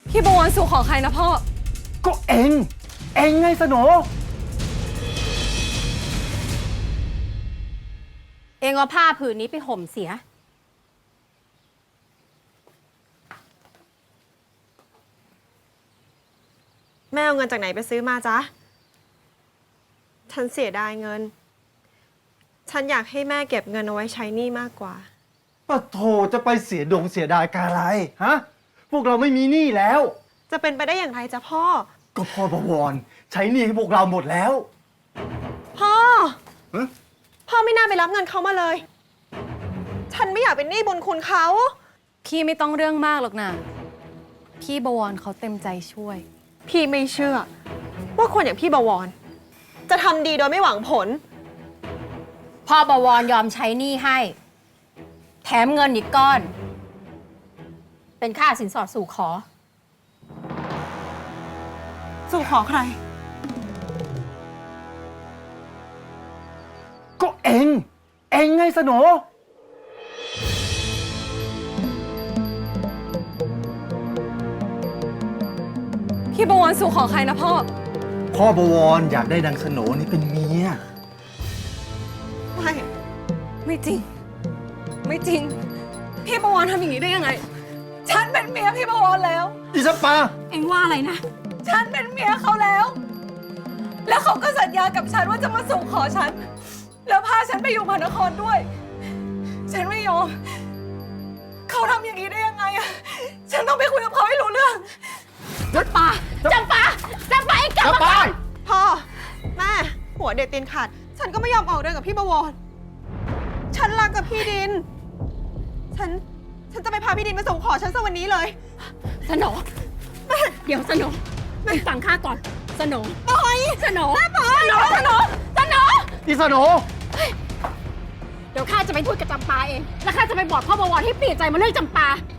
พี่บวรสู่ขอใครนะพ่อก็เองไงสโหนเองเอาผ้าผืนนี้ไปห่มเสียแม่เอาเงินจากไหนไปซื้อมาจ๊ะฉันเสียดายเงินฉันอยากให้แม่เก็บเงินเอาไว้ใช้หนี้มากกว่าปะโถจะไปเสียดายกาอะไรฮะพวกเราไม่มีหนี้แล้วจะเป็นไปได้อย่างไรจ๊ะพ่อก็พ่อบวรใช้หนี้ให้พวกเราหมดแล้วพ่อฮะพ่อไม่น่าไปรับเงินเขามาเลยฉันไม่อยากเป็นหนี้บุญคุณเขาพี่ไม่ต้องเรื่องมากหรอกนะพี่บวรเขาเต็มใจช่วยพี่ไม่เชื่อว่าคนอย่างพี่บวรจะทำดีโดยไม่หวังผลพ่อบวรยอมใช้หนี้ให้แถมเงินอีกก้อน เป็นค่าสินสอดสู่ขอสู่ขอใครก็เองไงสโหนพี่บวรสู่ขอใครนะพ่อบวรอยากได้นางสโหนนี่เป็นเมียไม่จริงพี่บวรทำอย่างนี้ได้ยังไงฉันเป็นเมียพี่บวรแล้วดิฉันปาเอ็งว่าอะไรนะฉันเป็นเมียเขาแล้วเขาก็สัญญากับฉันว่าจะมาสู่ขอฉันแล้วพาฉันไปอยู่มหานครด้วยฉันไม่ยอมเขาทำอย่างนี้ได้ยังไงอะฉันต้องไปคุยกับเขาให้รู้เรื่องจำปาเอ็งกลับมาก่อนพ่อแม่หัวเด็ดตีนขาดฉันก็ไม่ยอมออกเดินกับพี่บวรฉันรักกับพี่ดินฉันจะไปพาพี่ดินมาสู่ขอฉันซะวันนี้เลยสโหนเดี๋ยวสโหนฟังข้าก่อนสโหนสโหนดิสโหนเดี๋ยวข้าจะไปพูดกับจำปาเองแล้วข้าจะไปบอกพ่อบวรให้เปลี่ยนใจมาเรื่องจำปา